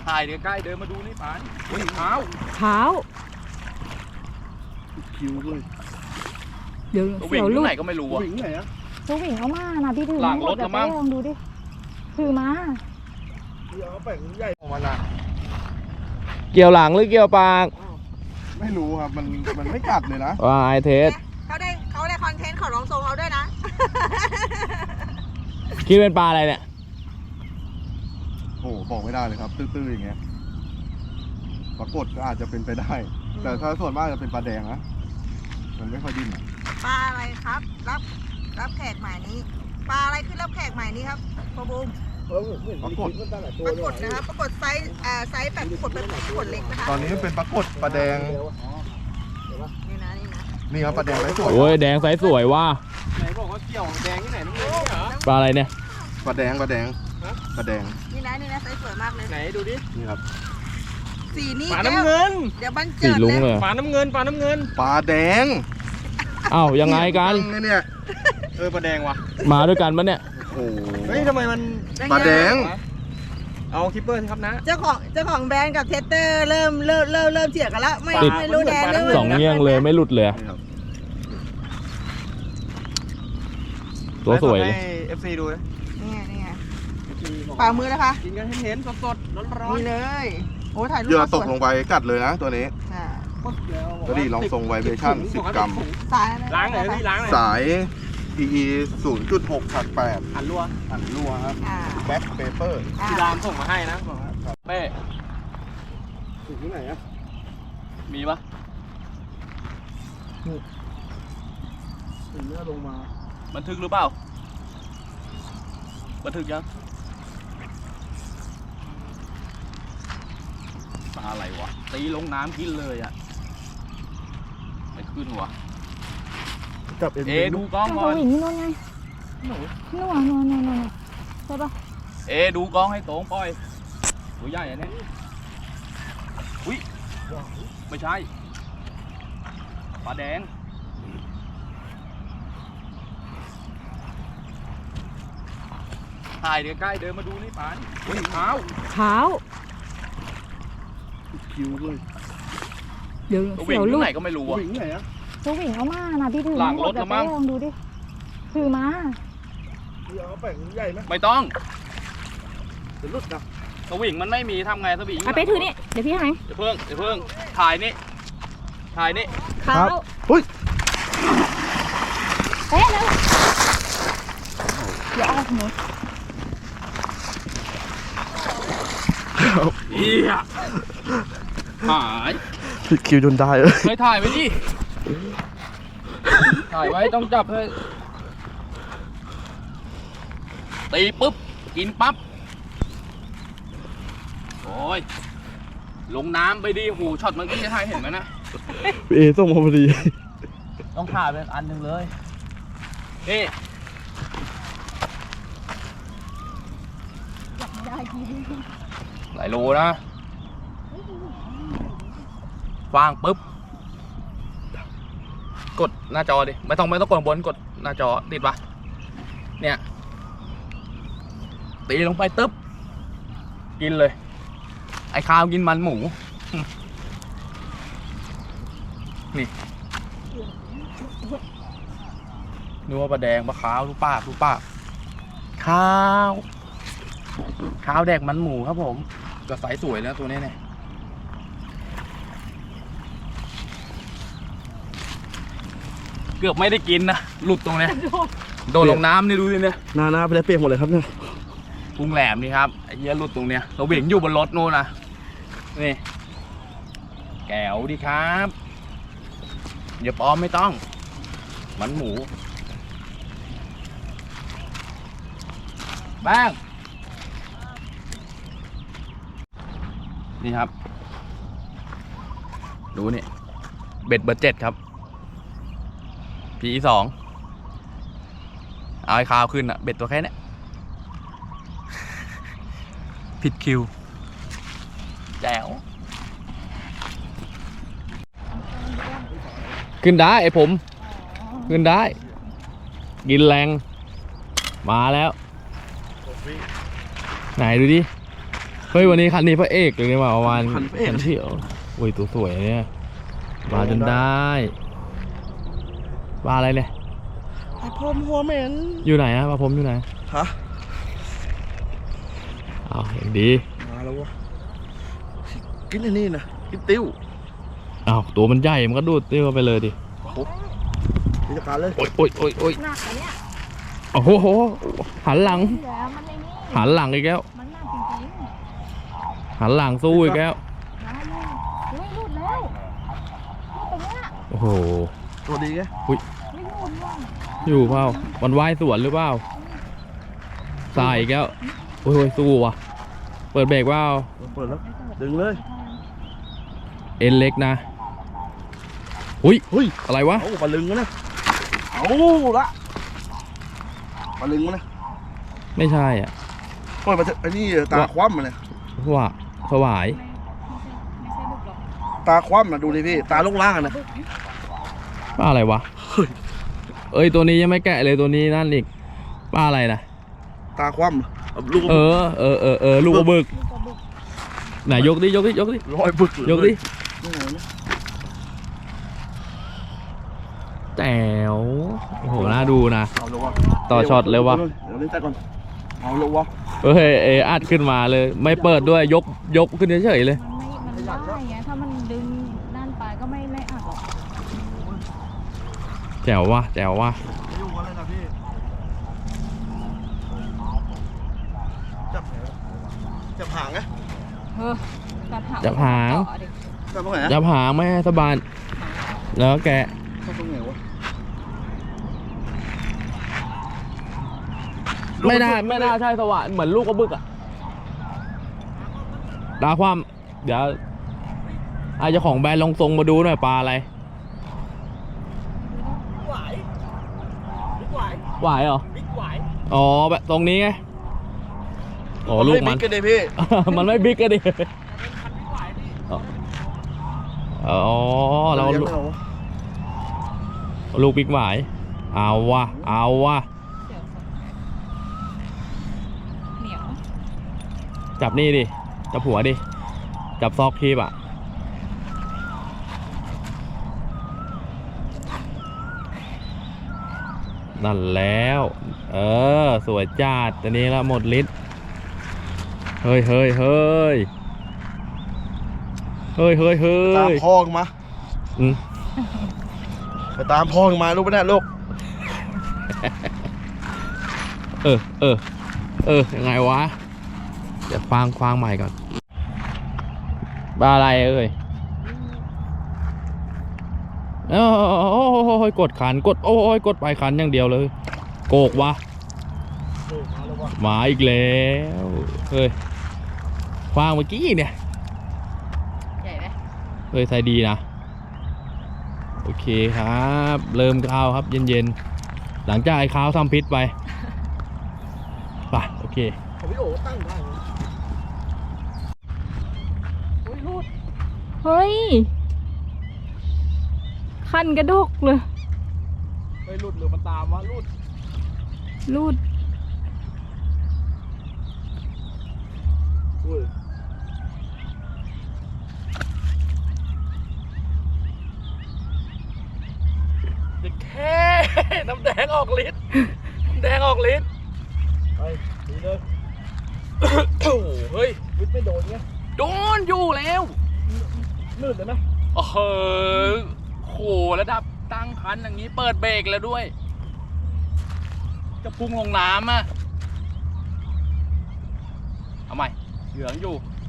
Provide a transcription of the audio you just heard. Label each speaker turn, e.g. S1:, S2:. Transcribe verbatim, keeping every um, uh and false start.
S1: ถ่ายใกล้ๆเดินมาดูนี่ปานอุ้ยเท้า
S2: เท้า
S3: คิวเลย
S2: เดี๋ยว
S1: วิ่งที่ไหนก็ไม่รู้อ่ะ
S3: วิ่งไหนอะ
S2: ตัววิ่งเอามานะพี่ถือ
S1: หลังรถแล้วมั้ง
S2: ลองดูดิถือมา
S3: เดี๋ยวเอาแป้งใหญ่ออกมาละ
S4: เกี่ยวหลังหรือเกี่ยวปาก
S3: ไม่รู้ครับมันมันไม่กัดเลยนะ
S4: ว่าไอเทส
S5: เขาได้เขาได้คอนเทนต์เขาลองทรงเราด้วยนะ
S4: คิดเป็นปลาอะไรเนี่ย
S3: โอ้บอกไม่ได้เลยครับตื้อๆอย่างเงี้ยปรากฏก็อาจจะเป็นไปได้แต่ถ้าส่วนมากจะเป็นปลาแดงนะมันไม่ค่อยดิ้น
S5: ปลาอะไรครับรับรับแขกใหม่นี้ปลาอะไรขึ้นรับแขกใหม่นี้ครับพ่อบูม
S3: ปรากฏ
S5: ปรากฏนะครับปรากฏไซส์อ่าไซส์แบบขดเป็นขดเล็กนะคะ
S3: ตอนนี้เป็นปรากฏปลาแดง
S5: นี่นะนี่นะ
S3: นี่ครับปลาแดงไซส์สวย
S4: โอ้ยแดงไซส์สวยว่ะ
S1: ไหนบอกว่าเกี่ยวแดงที่ไหนน้ำเงินเหรอ
S4: ปลาอะไรเนี่ย
S3: ปลาแดงปลาแดงปลาแดง
S5: นี่นะนี่นะไซส์สวยมากเลย
S1: ไหนดูดิ
S3: นี่ครับ
S5: สีนี้
S1: ปลาน้ำเงิน
S5: เดี๋ยวบันเจิ
S4: สี
S5: ด
S4: ลุงเลย
S1: ปลาน้ำเงินปลาน้ำเงิน
S3: ปลาแดง
S4: อ้าวยังไงกัน
S3: เนี่ย
S1: เออปลาแดงว่ะ
S4: มาด้วยกันปะเนี่ย
S3: โอ้
S1: เฮ้ยทำไมมัน
S3: ปลาแดง
S1: เอาคิปเปอร์สิครับนะ
S5: เจ้าของเจ้าของแบรนด์กับเทสเตอร์เริ่มเริ่มเริ่มเริ่มเถียงกันแล้วไม่ไม่รู้แดงเรื่อง
S4: สองเงี้ยงเลยไม่หลุดเลยตัวสวยเลย
S1: ให้ เอฟ ซี ดูเลย
S5: นี่ไงนี่ไงฝ่ามือนะคะ
S1: กินกันให้เห็นสดๆร้อน
S5: ๆนี่เลยโอ้ถ่ายรูป
S3: เหยื่อตกลงไปกัดเลยนะตัวนี้ก็ดีลองทรงไวเบชั่นสิบกรัม
S5: สาย
S1: ล้างไหนพี่ล้างไหน
S3: สาย พี อี ศูนย์จุดหก ถักแปด
S1: หันรัว
S3: หันรัวครับแบ็คเปเปอร์
S1: พี่รามส่งมาให้นะเป้
S3: ถึงที่ไหนอะ
S1: มีปะ
S3: ถึงเนื้อลงมา
S1: บันทึกหรือเปล่าบันทึกยังปลาอะไรวะตีลงน้ำกินเลยอ่ะไม่ขึ้นวะ
S3: จับเอ
S1: ดูกล้องก่อน
S2: วิ่งนู่นไงนู่นนู่นนู่นนู่นใช่ปะ
S1: เอดูกล้องให้ตรงปล่อยตัวใหญ่อันนี้อุ้ยไม่ใช่ปลาแดงถ่ายใกล้ๆเดินมาดูนี่ปานอุ้ยเท้า
S2: เท้า
S3: คิวเลย
S2: เดี๋ยว
S1: วิ่งที่ไหนก็ไม่รู้อ่ะ
S3: วิ่งไหนอะ
S2: ตัววิ่งเอามานะพี่ถือ
S1: หลังรถแล้วมั้ง
S2: ลองดูดิถือมา
S3: เดี๋ยวเอาแป้งใหญ่ไหม
S1: ไม่ต้อง
S3: เดี๋ยวลุดนะ
S1: สวิงมันไม่มีทำไงสวิง
S2: ไปถือนี่เดี๋ยวพี่ให้
S1: เดี๋ยวเพิ่งเดี๋ยวเพิ่งถ่ายนี่ถ่ายนี่
S2: ครับ
S3: อุ้ย
S2: เอ๊ะแล้วเดี๋ยวเอาหนู
S1: เฮียหาย
S3: ผิดคิวจนได้เลย
S1: ไม่ถ่ายไว้ดิถ่ายไว้ต้องจับเลยตีปุ๊บกินปั๊บโอ้ยลงน้ำไปดิหูช็อตเมื่อกี้จะถ่ายเห็นไหมนะ
S3: เอส่งมาพอดี
S1: ต้องถ่ายเป็นอันหนึ่งเลยนี่หลายโลนะวางปุ๊บกดหน้าจอดิไม่ต้องไม่ต้องกดบนกดหน้าจอติดปะเนี่ยตีลงไปตึ๊บกินเลยไอ้ข้าวกินมันหมูนี่นึกว่าปลาแดงปลาขาวรู้ปากรู้ปากข้าวข้าวแดกมันหมูครับผมก็สายสวยแล้วตัวนี้เนี่ยเกือบไม่ได้กินนะหลุดตรงนี้โดนลงน้ำนี่ดูดิเนี่ย
S3: หน้าหน้าไปได้เปียกหมดเลยครับเนี่ย
S1: พุงแหลมนี่ครับไอ้เหี้ยหลุดตรงเนี้ยเราเบี่ยงอยู่บนรถโน่นนะนี่แก้วดิครับอย่าปลอมไม่ต้องมันหมูบ้างนี่ครับดูนี่เบ็ดเบอร์เจ็ดครับพีสองเอาไอ้คาวขึ้นอะเบ็ดตัวแค่นี้ผิดคิวแจ๋ว
S4: ขึ้นได้ไอ้ผมขึ้นได้กินแรงมาแล้วไหนดูดิเฮ้ยวันนี้คันนี้พระเอกเลยนี่หว่าประมาณ
S3: คันพระเอก
S4: คันเที่ยวโอ้ยตัวสวยเนี่ยมาจนได้ปลาอะไรเนี่ย
S3: ไอ้พรมหัวเหม็น
S4: อยู่ไหนอะปลาผมอยู่ไหน
S3: ฮะ
S4: อ้าวอย่างดี
S3: มาแล้ววะกินไอ้นี่นะกินติ้ว
S4: อ้าวตัวมันใหญ่มันก็ดูดติ้วไปเลยดิ
S3: กิจการเลย
S4: โอ้ยโอ้ยโอ้ยโอ้ย
S2: หนักอะเนี่ย
S4: โอ้โหโหหันหลัง
S2: เหลือมันในนี่
S4: หันหลังอีกแล้ว
S2: มันหนักจริง
S4: หันหลังสู้อีกแล้ว
S2: ๆนะลูกเฮ้ยหลุดแล้วหลุดตรงเนี้ย
S4: โอ้โห
S3: ตัวดีไง
S2: ไม่หลุดว่ะ
S4: อยู่เปล่ามันว่ายสวนหรือเปล่าสายอีกแล้วโอ้ยโอ้ยสู้ว่ะเปิดเบรกเปล่า
S3: เปิดแล้วดึงเลย
S4: เอ็นเล็กนะอุ้ย
S3: เฮ้ย
S4: อะไรวะ
S3: เอาปลาลึงวะเนี่ยเอาละปลาลึงวะเนี่ย
S4: ไม่ใช่อ่ะ
S3: ปล่อยมาเถอะไอ้นี่ตาคว่ำมาเนี่ย
S4: ว่าสวาย
S2: ไม่ไม่ใช่บึกหรอก
S3: ตาคว่ำมาดูดิพี่ตาลงล่างอะนะ
S4: ปลาอะไรวะเอ้ยตัวนี้ยังไม่แกะเลยตัวนี้นั่นอีกปลาอะไรนะ
S3: ตาคว่ำเอาลูก
S4: เออเออเออเออลูกกระบึก
S2: ลูกกระบึก
S4: ไหนยกดิยกดิยกดิ
S3: รอยบึกเลย
S4: ยกดิ
S3: นี่ไงเนี่ย
S4: แจ๋วโอ้โหน่าดูนะ
S3: เอาเลยวะ
S4: ต่อช็อตเลยวะ
S3: เดี๋ยวเล่นแต่ก่อนเอาเลยวะ
S4: เฮ้ยเออัดขึ้นมาเลย ไม่เปิดด้วยยกยกขึ้นเฉยๆเลย
S2: มันไม่มันได้ไงถ้ามันดึงนั่นไปก็ไม่ไม่อัดหรอก
S4: แจ๋วว่ะแจ๋วว่ะ
S3: ไม่ยุ่งกันเลยนะพี่จับจับหางไง
S2: เฮ้ยกัดหาง
S4: จับหาง
S2: ต่อดิ
S3: จับตรงไหนอะ
S4: จับหางไม่ให้สะบานแล้วก็แกะ
S3: จับตรงไหนวะ
S4: ไม่ได้ไม่น่าใช่สวะเหมือนลูกกระบึกอะตาความเดี๋ยวอาจจะของแบรนด์ลองทรงมาดูหน่อยปลาอะไร
S5: หวายบิ๊กหวาย
S4: หวายเหรอ
S5: บิ๊กหวาย
S4: อ๋อแบบตรงนี้ไงอ๋อลูกมัน
S3: ไบิ๊กันเลยพี่
S4: มันไม่บิ๊กก็ดิ
S5: บิ๊กหวายนี่
S4: อ๋อเรา
S3: ลี้ยง
S4: ลูก
S3: ไม่อวะ
S4: ลูกบิ๊กหวายเอาวะเอาวะ
S2: เดี๋ยวเหนียว
S4: จับนี่ดิจับหัวดิจับซอกคีบอะนั่นแล้ว เออสวยจัดตัวนี้ละหมดฤทธิ์เฮ้ยเฮ้ยเฮ้ยเฮ้ยเฮ้ยเฮ้
S3: ตาม
S4: ย
S3: พ่อมา
S4: อืม
S3: ไปตามพ่อมาลูกไม่ได้ลูก
S4: เออเออเออยังไงวะเดี๋ยวฟังฟังใหม่ก่อนปลาอะไรเอ้ยโอ้โอ้ยกดขันกดโอ้ยกดไปขันอย่างเดียวเลยโกกวะมาอีกแล้วเฮ้ยฟางเมื่อกี้เนี่ย
S2: ใหญ่ไหม
S4: เฮ้ยใส่ดีนะโอเคครับ เริ่มข้าวครับเย็นๆหลังจากไอ้ข้าวทำพิษไปไปโอเค
S3: ของพี่โอ๋ตั้งได้ไหม
S2: เฮ้ยคันกระดกเลย
S4: ไปหลุดหรือมันตามวะหลุด
S2: รูด
S3: อุ้ย
S4: แค่น้ำแดงออกฤทธิ์น้ำแดงออกฤทธิ์
S3: ไปดีเลย
S4: โอ้โหเฮ้ย
S3: วิทย์ไม่โดนไง
S4: โดนอยู่แล้ว
S3: ลื่นเลยไหม
S4: โอ้โหโหระดับตั้งคันอย่างนี้เปิดเบรกแล้วด้วย จะพุ่งลงน้ำอ่ะเอาใหม่เหลืองอยู่